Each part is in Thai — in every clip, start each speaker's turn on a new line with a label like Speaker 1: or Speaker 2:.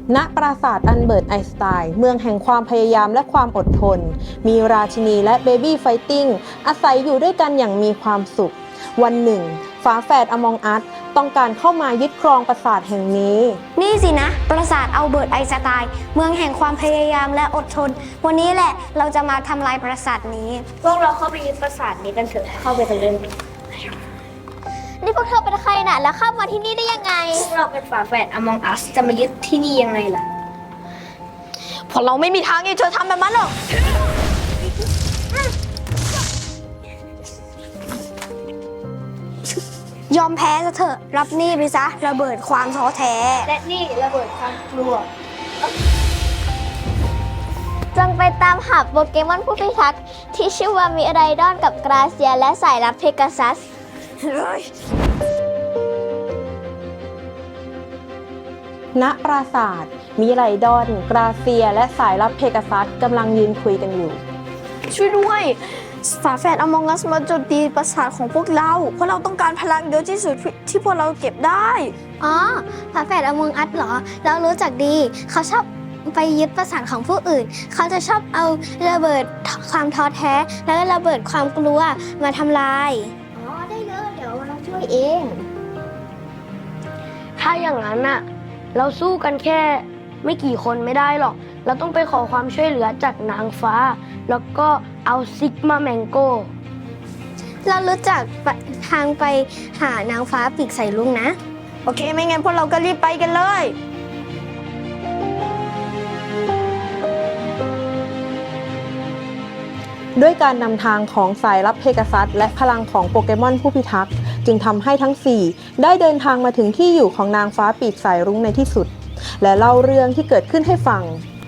Speaker 1: ณปราสาทอันเบิร์ตไอน์สไตน์เมืองแห่งความพยายามและความอดทนมีราชินีและเบบี้ไฟติ้งอาศัยอยู่ด้วยกันอย่างมีความสุขวันหนึ่งฝาแฝดอมองอัสต้องการเข้ามายึดครองปราสาทแห่งนี้
Speaker 2: นี่สินะปราสาทอัลเบิร์ตไอน์สไตน์เมืองแห่งความพยายามและอดทนวันนี้แหละเราจะมาทำลายปราสาทนี้
Speaker 3: พวกเราเข้าไปยึดปราสาทนี้กันเถอะเข้าไปกันเลย
Speaker 2: นี่พวกเธอเป็นใครน่ะแล้วเข้ามาที่นี่ได้ยังไง
Speaker 3: พวกเราเป็นฝาแฝด Among Us จะมายึดที่นี่ยังไงล่ะ
Speaker 2: พวกเราไม่มีทางที่เธอทำแบบนั้นหรอกยอมแพ้ซะเถอะรับนี่ไปซะระเบิดความท้อแท้
Speaker 3: และนี่ระเบิดความกลัว
Speaker 2: จงไปตามหาโปเกมอนผู้พิทักษ์ที่ชื่อว่ามิไรดอนกับกราเซียและสายลับเพกาซัส
Speaker 1: ณปราสาทมิไรดอนกราเซียและสายลับเพกาซัสกำลังยืนคุยกันอยู่
Speaker 2: ช่วยด้วยฝาแฝดอมองกัสมาโจมตีปราสาทของพวกเราเพราะเราต้องการพลังเยอะที่สุดที่พวกเราเก็บได้อ๋อฝาแฝดอมองกัสเหรอเรารู้จักดีเขาชอบไปยึดปราสาทของผู้อื่นเขาจะชอบเอาระเบิดความท้อแท้แล้วก็ระเบิดความกลัวมาทำลายอ๋อได้เลยเดี๋ยวเราช่วยเอง
Speaker 4: ถ้าอย่างนั้นน่ะเราสู้กันแค่ไม่กี่คนไม่ได้หรอกเราต้องไปขอความช่วยเหลือจากนางฟ้าแล้วก็เอาซิกมาแมงโก้
Speaker 2: เรารู้จักทางไปหานางฟ้าปีกใส่ลุงนะโอเคไม่งั้นพวกเราก็รีบไปกันเลย
Speaker 1: ด้วยการนำทางของสายลับเพกาซัสและพลังของโปเกมอนผู้พิทักษ์จึงทำให้ทั้ง4ได้เดินทางมาถึงที่อยู่ของนางฟ้าปีกสายรุ้งในที่สุดและเล่าเรื่องที่เกิดขึ้นให้ฟัง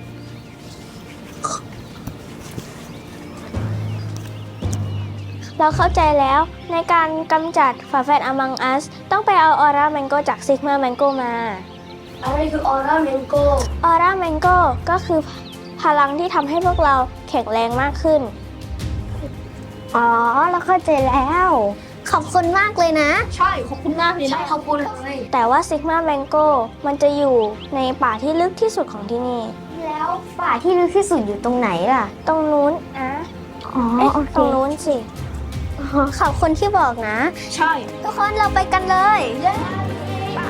Speaker 2: เราเข้าใจแล้วในการกำจัดฝาแฝดอมังอัสต้องไปเอาออร่าแมงโก้จากซิกมาแมงโก้มา
Speaker 4: อะไรคือออร่าแมงโก้
Speaker 2: ออร่าแมงโก้ก็คือพลังที่ทำให้พวกเราแข็งแรงมากขึ้นอ๋อเราเข้าใจแล้วขอบคุณมากเลยนะ
Speaker 3: ใช่ขอบคุณมากเลยนะขอบคุณเลย
Speaker 2: แต่ว่าซิกมาแมงโก้มันจะอยู่ในป่าที่ลึกที่สุดของที่นี่แล้วป่าที่ลึกที่สุดอยู่ตรงไหนล่ะตรงนู้นนะอ๋อตรงนู้นสิขอบคุณที่บอกนะ
Speaker 3: ใช่
Speaker 2: ทุกคนเราไปกันเลยไป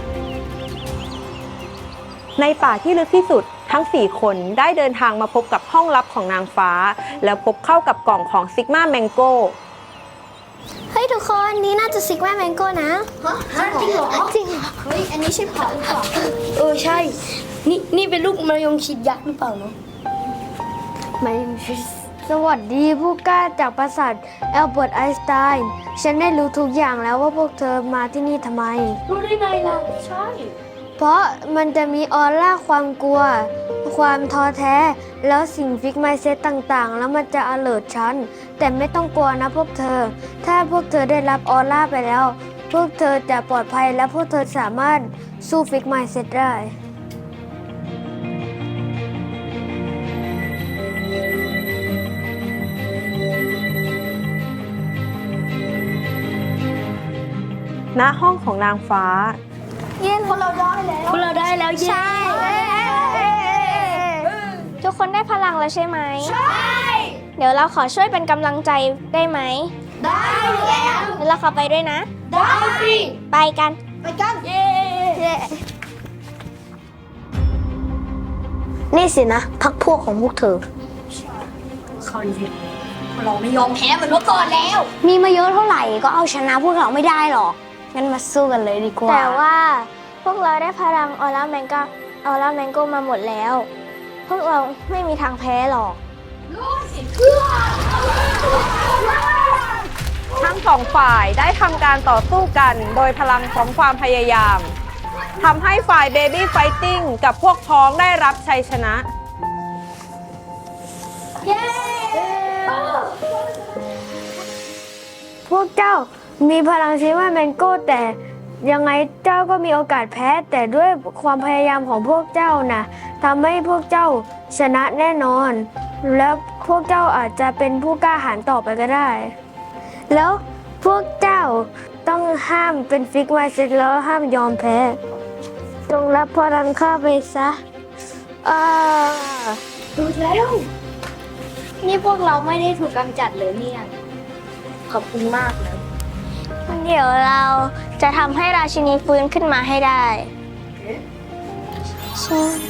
Speaker 1: ในป่าที่ลึกที่สุดทั้ง4คนได้เดินทางมาพบกับห้องลับของนางฟ้าแล้วพบเข้ากับกล่องของซิกมาแมงโก้
Speaker 2: เฮ้ยทุกคนนี่น่าจะซิกมาแมงโก้นะ
Speaker 3: จริงเหรอ
Speaker 2: จริง
Speaker 3: เฮ้ยอันนี้ใช่ผักหรือเปล่า
Speaker 4: ใช่นี่เป็นลูกมะยงชิดยักษ์หรือเปล่าเนาะมะยงชิดสวัสดีผู้กล้าจากปราสาทอัลเบิร์ตไอน์สไตน์ฉันได้รู้ทุกอย่างแล้วว่าพวกเธอมาที่นี่ทำไม
Speaker 3: รู้ได้ไงล่ะใช่
Speaker 4: เพราะมันจะมีออร่าความกลัวความท้อแท้แล้วสิ่งฟิกไมเซ็ตต่างๆแล้วมันจะalertฉันแต่ไม่ต้องกลัวนะพวกเธอถ้าพวกเธอได้รับออร่าไปแล้วพวกเธอจะปลอดภัยและพวกเธอสามารถสู้ฟิกไมเซ็ตได้
Speaker 1: ณห้องของนางฟ้า
Speaker 2: พวกเราได้แล้วใช่ทุกคนได้พลังแล้วใช่ไหม
Speaker 3: ใช่
Speaker 2: เดี๋ยวเราขอช่วยเป็นกำลังใจได้ไหม
Speaker 3: ได้แล้ว
Speaker 2: แล้วเราขอไปด้วยนะ
Speaker 3: ได้สิ
Speaker 2: ไปกัน
Speaker 3: เย้
Speaker 2: นี่สินะพักพวกของพวกเธอ
Speaker 3: เขาดิเราไม่ยอมแพ้เหมือนเมื่อก่อนแล้ว
Speaker 2: มีมาเยอะเท่าไหร่ก็เอาชนะพวกเราไม่ได้หรอกงั้นมาสู้กันเลยดีกว่าแต่ว่าพวกเราได้พลังออร่าแมงโก้มาหมดแล้วพวกเราไม่มีทางแพ้หรอก
Speaker 1: ทั้ง2ฝ่ายได้ทำการต่อสู้กันโดยพลังของความพยายามทำให้ฝ่ายเบบี้ไฟติ้งกับพวกพ้องได้รับชัยชนะ
Speaker 4: พวกเจ้ามีพลังซิกมาแมงโก้แต่ยังไงเจ้าก็มีโอกาสแพ้แต่ด้วยความพยายามของพวกเจ้านะทำให้พวกเจ้าชนะแน่นอนแล้วพวกเจ้าอาจจะเป็นผู้กล้าหาญต่อไปก็ได้แล้วพวกเจ้าต้องห้ามเป็นฟิกไมเซ็ตแล้วห้ามยอมแพ้จงรับพลังข้าไปซะ
Speaker 2: ดูแล้ว นี่พวกเราไม่ได้ถูกกำจัดเลยเนี่ย ขอบคุณมากนะ
Speaker 4: เดี๋ยวเราจะทำให้ราชินีฟื้นขึ้นมาให้ได้ใช่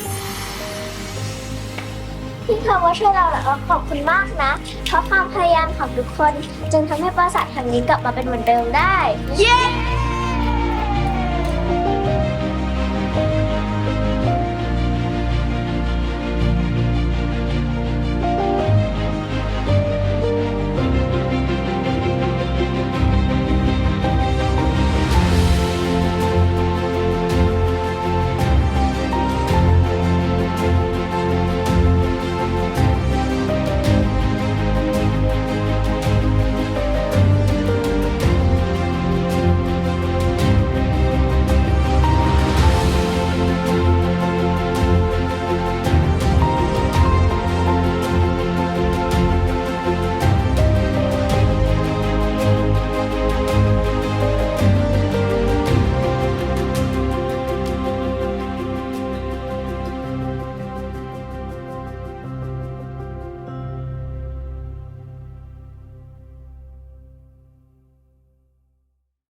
Speaker 2: ที่เธอมาช่วยเราแล้วขอบคุณมากนะ เพราะความพยายามของทุกคนจึงทำให้ปราสาทแห่งนี้กลับมาเป็นเหมือนเดิมได้ เย้